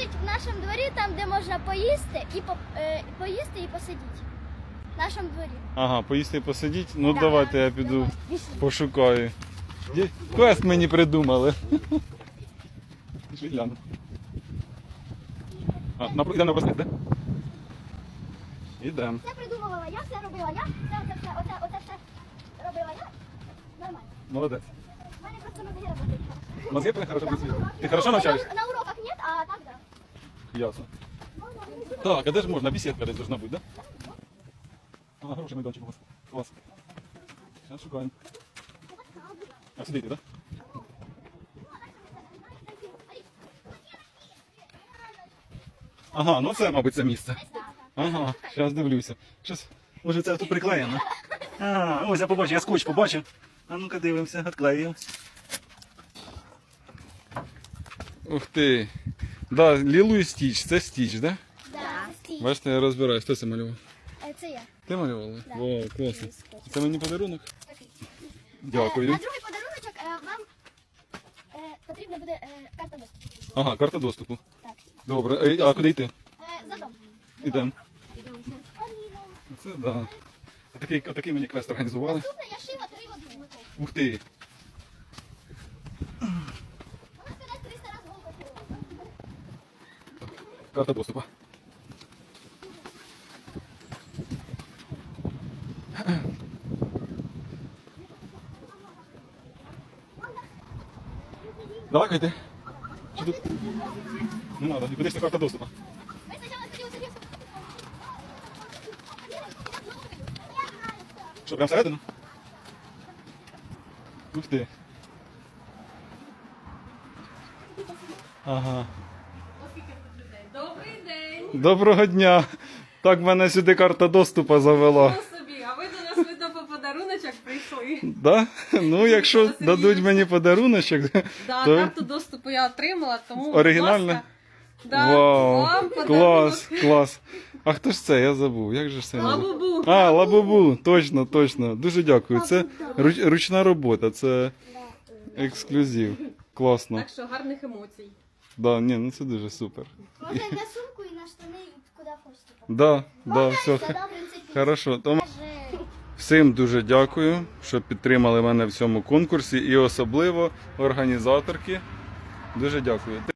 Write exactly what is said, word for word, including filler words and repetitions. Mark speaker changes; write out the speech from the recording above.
Speaker 1: значить, в нашому дворі, там, де можна поїсти і по, е, поїсти і посидіти. В нашому дворі.
Speaker 2: Ага, поїсти і посидіть? Ну
Speaker 1: Да.
Speaker 2: давайте я піду
Speaker 1: Давай, пішли.
Speaker 2: пошукаю. Є- Квест мені придумали. Пішли гляну. А, на, йдемо на проспект, так? Ідемо.
Speaker 1: Це придумувала я, все робила я, це оце все, оце, оце все робила я. Нормально.
Speaker 2: Молодець.
Speaker 1: У мене просто мозги працюють.
Speaker 2: Мозги твої хорошо працюють. Ти хорошо навчаєшся?
Speaker 1: На, на уроках ні, а так, да.
Speaker 2: Ясно. Так, а де ж можна? Бесідка десь должна бути, так? Да? Ага, хороший майданчик у вас. Клас. Зараз шукаємо. А сюди йти, так? Да? Ага, ну це, мабуть, це місце. Ага, зараз дивлюся. Щось, може це тут приклеєно? А, ось я побачив, я скотч побачив. А ну-ка дивимося, відклеїв. Ух ти. Да, Лілу і Стіч, це Стіч, так? Да?
Speaker 1: Да. Стій.
Speaker 2: Бачите, я розбираюсь. Хто це малював?
Speaker 1: Е, Це я.
Speaker 2: Ти малювала?
Speaker 1: Да.
Speaker 2: Вау, класно. Це мені подарунок?
Speaker 1: Такий.
Speaker 2: Дякую.
Speaker 1: На другий подаруночок е, вам е, потрібна буде е, карта доступу.
Speaker 2: Ага, карта доступу.
Speaker 1: Так.
Speaker 2: Добре. Е, А куди йти?
Speaker 1: Е, За дом.
Speaker 2: Ідемо.
Speaker 1: Ідемо.
Speaker 2: Це да. Отакий, отакий мені квест організували.
Speaker 1: Наступне я шила три в одну.
Speaker 2: Ух ти.
Speaker 1: Вона сказала триста разів голку шила.
Speaker 2: Карта доступу. Давай, йти. Чи тут? Не треба, куди ж це карта доступу?
Speaker 1: Ми спочатку хотіли сидіти.
Speaker 2: Що, прямо всередину? Ух ти. Ага.
Speaker 3: Добрий день!
Speaker 2: Доброго дня. Так мене сюди карта доступу завела.
Speaker 3: Ну собі, а ви до нас видно по подаруночок прийшли.
Speaker 2: Да? Ну, якщо дадуть мені подаруночок,
Speaker 3: Да,
Speaker 2: то
Speaker 3: карту доступу я отримала, тому
Speaker 2: оригінально?
Speaker 3: будь ласка, да,
Speaker 2: Вау,
Speaker 3: вам подарунок.
Speaker 2: клас, клас. А хто ж це? Я забув. Як же ж це? називається?
Speaker 3: Лабубу.
Speaker 2: А, лабубу, точно, точно. Дуже дякую. Це руч- ручна робота, це ексклюзив. Класно.
Speaker 3: Так що гарних емоцій.
Speaker 2: Да, ні, ну це дуже супер.
Speaker 1: Можна і на сумку, і на штани, і куди хочете.
Speaker 2: Да, да, все.
Speaker 1: Це, да, в принципі.
Speaker 2: Хорошо. Тому
Speaker 1: Каже,
Speaker 2: всім дуже дякую, що підтримали мене в цьому конкурсі і особливо організаторки. Дуже дякую.